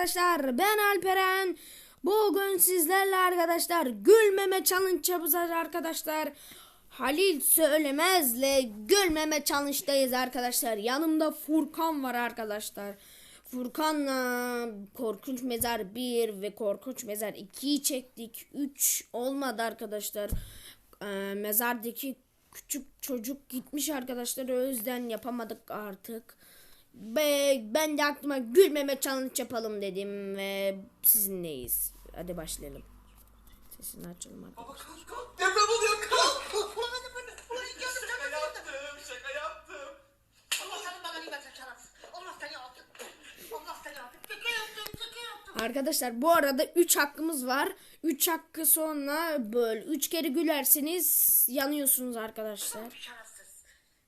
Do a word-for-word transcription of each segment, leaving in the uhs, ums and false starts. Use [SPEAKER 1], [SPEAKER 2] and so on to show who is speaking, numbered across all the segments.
[SPEAKER 1] arkadaşlar, ben Alperen. Bugün sizlerle arkadaşlar gülmeme challenge yapacağız arkadaşlar. Halil Söylemez'le gülmeme challenge'dayız arkadaşlar. Yanımda Furkan var arkadaşlar. Furkan'la Korkunç Mezar bir ve Korkunç Mezar ikiyi çektik. üç olmadı arkadaşlar. Ee, mezardaki küçük çocuk gitmiş arkadaşlar. O yüzden yapamadık artık. Be, ben de aklıma gülmeme challenge yapalım dedim ve sizinleyiz. Hadi başlayalım. Sesini açalım arkadaşlar.
[SPEAKER 2] Baba kalk kalk. Deprem oluyor kalk. Şaka yaptım şaka yaptım.
[SPEAKER 3] Allah senin belanı versin şerefsiz. Allah seni yaptı. Allah seni yaptı. Şaka yaptım şaka yaptım.
[SPEAKER 1] Arkadaşlar bu arada üç hakkımız var. üç hakkı sonra böl. üç kere gülerseniz yanıyorsunuz arkadaşlar.
[SPEAKER 3] Şerefsiz.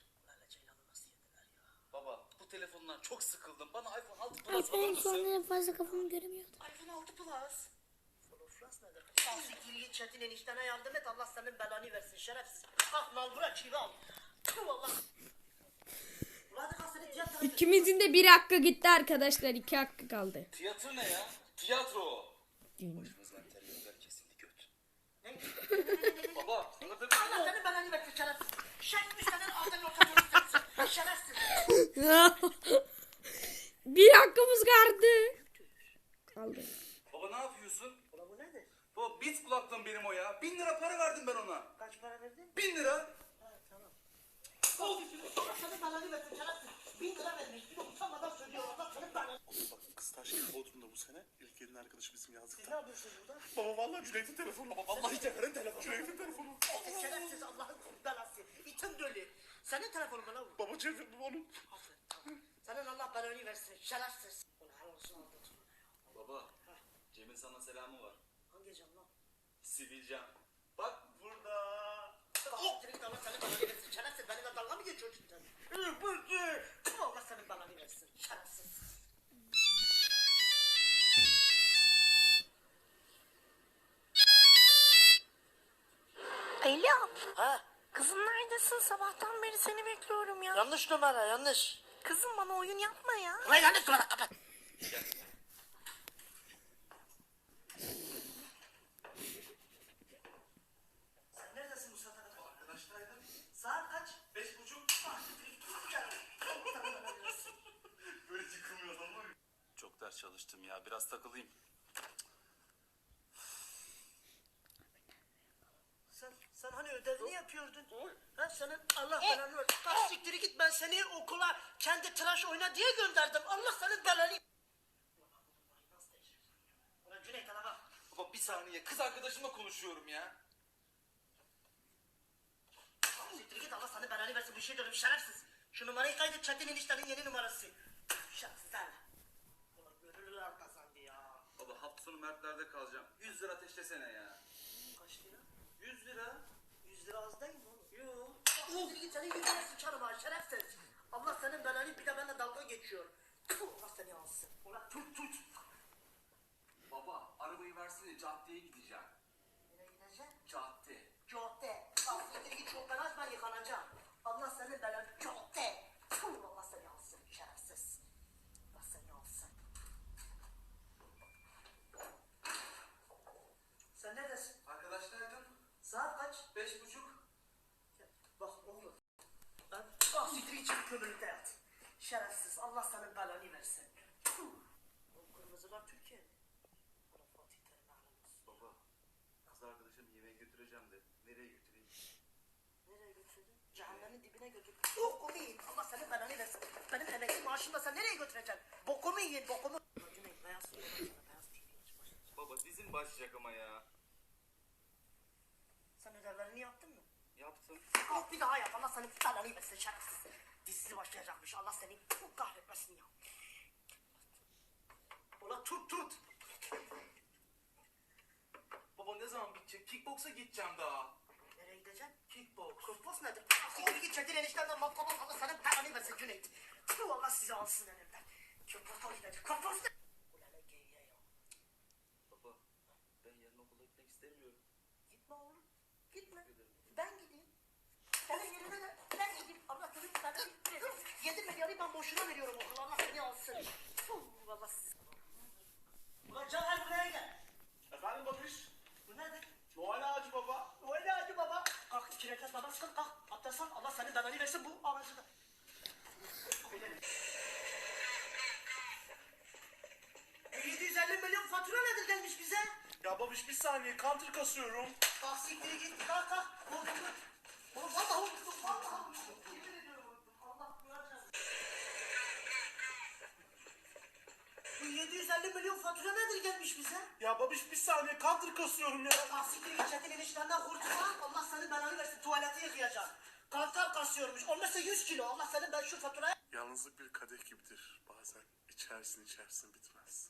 [SPEAKER 2] Baba bu telefondan çok sıkıldım. Bana iPhone altı Plus alır
[SPEAKER 1] Ben
[SPEAKER 2] mısın?
[SPEAKER 1] sonra fazla kafamı göremiyordum.
[SPEAKER 3] iPhone altı Plus. iPhone Plus nedir? Al siktir git Çetin eniştene yardım et. Allah senin belanı versin şerefsiz. Kalk mal bırak çivi al. Tüh Allah. Ulan hadi kalk seni tiyatroya götür.
[SPEAKER 1] İkimizin de bir hakkı gitti arkadaşlar. iki hakkı kaldı.
[SPEAKER 2] Tiyatro ne ya? Tiyatro o.
[SPEAKER 1] Gün.
[SPEAKER 2] Başımızdan terörler kesildi göt.
[SPEAKER 3] Ne?
[SPEAKER 2] Baba sana da
[SPEAKER 3] Allah senin belanı versin şerefsiz. Şerefsiz senin ağzını ortasını sensin. Şerefsiz.
[SPEAKER 1] Bir hakkımız kaldı. Kaldı.
[SPEAKER 2] Baba ne yapıyorsun?
[SPEAKER 3] Ulan bu nedir?
[SPEAKER 2] Baba bit kulaklığım benim o ya. Bin lira para verdim ben ona.
[SPEAKER 3] Kaç para verdin?
[SPEAKER 2] Bin lira.
[SPEAKER 3] Ha tamam. Allah senin belanı versin şerefsiz. Bin lira vermiş. Bir de utanmadan söylüyor. Allah senin belanı.
[SPEAKER 4] Bak kız taş gibi Bodrum'da bu sene. İlk elin arkadaşı bizim
[SPEAKER 3] Siz ne
[SPEAKER 4] yazlıkta.
[SPEAKER 3] yapıyorsunuz burada?
[SPEAKER 4] Baba vallahi Cüneyt'in telefonu. Baba vallahi Cevher'in telefonu. Cüneyt'in telefonu.
[SPEAKER 3] Şerefsiz Allah'ın belası. İtin dölü. Senin telefonun mu lan bu?
[SPEAKER 4] Baba Cevher bu onun.
[SPEAKER 3] Aferin, tamam. Senin Allah belanı versin. Şerefsiz. Ulan helal olsun aldın.
[SPEAKER 2] Baba Cem'in sana selamı var.
[SPEAKER 3] Hangi cam lan?
[SPEAKER 2] Sivilcem. Bak burada.
[SPEAKER 3] Oh! Direkt Allah senin belanı versin. Şerefsiz. Benimle dalga mı geçiyorsun sen? Hı, bu, bu. Tüm Allah senin belanı versin. Şerefsiz.
[SPEAKER 5] Alo.
[SPEAKER 3] Ha?
[SPEAKER 5] Kızım neredesin? Sabahtan beri seni bekliyorum ya.
[SPEAKER 3] Yanlış numara yanlış.
[SPEAKER 5] Kızım bana oyun yapma ya.
[SPEAKER 3] Ulan yanlış numara kapat. Sen neredesin bu saate kadar?
[SPEAKER 2] Arkadaştaydım.
[SPEAKER 3] Saat kaç?
[SPEAKER 2] Beş buçuk.
[SPEAKER 3] Ah, gel. Allah belanı versin.
[SPEAKER 2] Böyle yıkılmıyor adam var ya.
[SPEAKER 4] Çok ders çalıştım ya. Biraz takılayım.
[SPEAKER 3] Sen, sen hani ödevini yapıyordun. Ha senin Allah belanı versin. Kalk siktiri git, ben seni okula kendi tıraş oyna diye gönderdim. Allah senin belanı. Ulan Cüneyt ana bak.
[SPEAKER 2] Baba bir saniye kız arkadaşımla konuşuyorum ya.
[SPEAKER 3] Kalk siktiri git, Allah senin belanı versin. Bir şey diyorum şerefsiz. Şu numarayı kaydet, Çetin eniştenin yeni numarası. Şerefsiz hala. Ulan gönüllüler kazandı ya.
[SPEAKER 2] Baba hafta sonu Mertler'de kalacağım. Yüz lira ateşlesene ya.
[SPEAKER 3] Kaç lira?
[SPEAKER 2] Yüz lira.
[SPEAKER 3] Yüz lira az değil mi oğlum? Yok. Kalk git, senin yüzüne sıçarım ha şerefsiz. Allah senin belanı, bir de benimle dalga geçiyor. Tüh, Allah seni alsın. Ulan tut tut.
[SPEAKER 2] Baba arabayı versene caddeye gideceğim.
[SPEAKER 3] Nereye gideceksin?
[SPEAKER 2] Cadde.
[SPEAKER 3] Cadde. Aslında git çok ben aç, ben yıkanacağım. Allah senin belanı. Cadde. Tüh, Allah seni alsın şerefsiz. Allah seni alsın. Sen neredesin?
[SPEAKER 2] Arkadaştaydım.
[SPEAKER 3] Saat kaç?
[SPEAKER 2] Beş buçuk.
[SPEAKER 3] Bak oğlum. Ben bak siktir için kömürlükte yat. Şerefsiz. Allah senin belanı versin. Tüh. O kırmızılar Türkiye mi? Bana Fatih Terim ağlamaz.
[SPEAKER 2] Baba kız arkadaşım yemeğe götüreceğim de nereye götüreyim?
[SPEAKER 3] Nereye götürdün? Cehennemin dibine götür. Bokumu yiyin. Allah senin belanı versin. Benim emekli maaşımla sen nereye götüreceksin? Bokumu yiyin, bokumu. Cüneyt, beyaz su yola sana, beyaz su yola.
[SPEAKER 2] Baba dizin başlayacak ama ya.
[SPEAKER 3] Sen ödevlerini yaptın mı?
[SPEAKER 2] Yaptım.
[SPEAKER 3] Kalk bir daha yap. Allah senin belanı versin şerefsiz. Dizisi başlayacakmış. Allah seni kahretmesin ya. Ulan tut tut.
[SPEAKER 2] Baba ne zaman bitecek? Kickboksa gideceğim daha.
[SPEAKER 3] Nereye gideceksin?
[SPEAKER 2] Kickboks.
[SPEAKER 3] Kırpos nedir? Siktir git Çetin eniştenden matkabı Allah senin belanı versin Cüneyt. Tüh, Allah sizi alsın elimden. Kırpos'a gidecek. Kırpos ne? Ulan ne geyiğe ya.
[SPEAKER 2] Baba ben yarın okula gitmek istemiyorum.
[SPEAKER 3] Gitme oğlum. Gitme. Ben gideyim. Senin yerine de ben gideyim. Allah senin belanı versin. Yedi milyarı ben boşuna veriyorum okula. Allah seni alsın. Tüh, Allah sizi. namaz kıl kalk. Abdest al. Allah senin belanı versin bu aracıda. yedi yüz elli milyon fatura nedir gelmiş bize?
[SPEAKER 4] Ya babiş bir saniye counter kasıyorum.
[SPEAKER 3] Kalk siktir git. Kalk kalk. Oğlum oğlum vallahi unuttum. Vallahi unuttum. Yemin ediyorum unuttum. Allah duyacağız. Bu yedi yüz elli milyon fatura nedir gelmiş bize?
[SPEAKER 4] Ya babiş bir saniye counter kasıyorum ya.
[SPEAKER 3] Kalk siktir git. Çetin eniştenden kurtulma. Allah senin belanı versin. Tuvaleti yıkayacaksın. Kantar kasıyormuş. Olmazsa yüz kilo. Allah senin ben şu faturayı...
[SPEAKER 4] Yalnızlık bir kadeh gibidir. Bazen içersin içersin bitmez.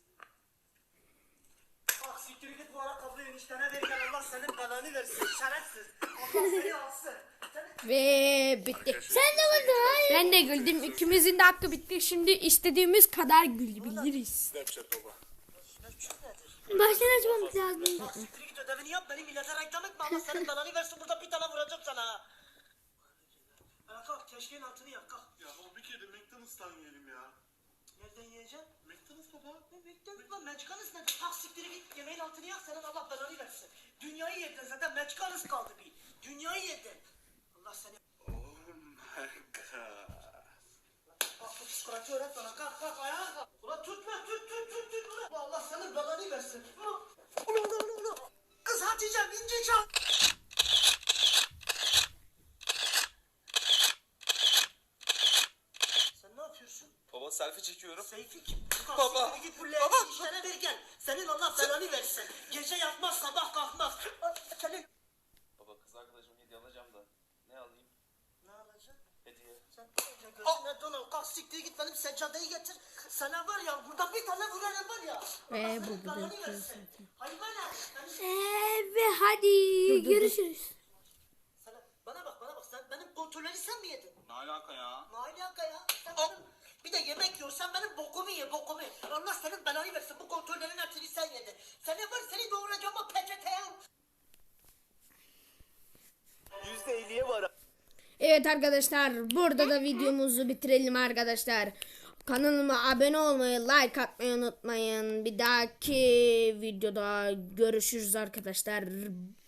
[SPEAKER 3] Bak siktir git bu ayakkabıyı eniştene verirken Allah senin belanı versin. Şerefsiz. Allah seni alsın. Sen...
[SPEAKER 1] Ve bitti. Sen de güldün. Ben de güldüm. İkimizin de hakkı bitti. Şimdi istediğimiz kadar gülebiliriz.
[SPEAKER 4] Snapchat baba.
[SPEAKER 3] Snapchat nedir?
[SPEAKER 1] Baştan açmamız lazım.
[SPEAKER 3] Bak siktir git ödevini yap. Beni millete reklam etme. Allah senin belanı versin. Burada bir tane vuracağım sana. Ha, kalk keşkeğin altını yap kalk.
[SPEAKER 4] Ya baba bir kere de McDonald's'tan yiyelim ya.
[SPEAKER 3] Nereden yiyeceksin?
[SPEAKER 4] McDonald's baba.
[SPEAKER 3] Ne McDonald's lan Mexicanız nedir? Kalk siktir git. Yemeğin altını yak. Senin Allah belanı versin. Dünyayı yedin zaten. Mexicanız kaldı bir. Dünyayı yedin. Allah seni...
[SPEAKER 4] Oh my god.
[SPEAKER 3] Bak bu psikoloji öğret bana. Kalk kalk ayağa kalk. Ulan tutma tut tut tut tut. Ulan ulan Allah senin belanı versin. Ulan ulan ulan ulan. Kız Hatice'm ince çal. Sen ne yapıyorsun?
[SPEAKER 2] Baba selfie çekiyorum.
[SPEAKER 3] Seyfi kim?
[SPEAKER 2] Baba.
[SPEAKER 3] Baba. Git bu leğeni işlere ver gel. Senin Allah belanı versin. Gece yatmaz sabah kalkmaz. Ay, Senin...
[SPEAKER 2] Baba kız arkadaşım hediye alacağım da. Ne alayım?
[SPEAKER 3] Ne alacaksın?
[SPEAKER 2] Hediye.
[SPEAKER 3] Sen önce gözüne donal. Kalk siktir git benim seccadeyi getir. Sana var ya burada bir tane vurarım var ya.
[SPEAKER 1] Ve
[SPEAKER 3] Allah
[SPEAKER 1] bu
[SPEAKER 3] senin
[SPEAKER 1] da
[SPEAKER 3] belanı
[SPEAKER 1] bitti
[SPEAKER 3] versin. Hayvana. Benim...
[SPEAKER 1] Ee, ve hadi görüşürüz.
[SPEAKER 3] Sana, bana bak bana bak sen benim kontrolleri sen mi yedin?
[SPEAKER 4] Ne alaka ya?
[SPEAKER 3] Ne alaka ya? Sen benim, bir de yemek yiyorsan benim bokumu ye bokumu. Allah senin belanı versin bu kontrollerin hepsini sen yedin. Seni var seni doğuracağım o peçeteye.
[SPEAKER 2] yüzde elliye var.
[SPEAKER 1] Evet arkadaşlar burada da videomuzu bitirelim arkadaşlar. Kanalıma abone olmayı, like atmayı unutmayın. Bir dahaki videoda görüşürüz arkadaşlar.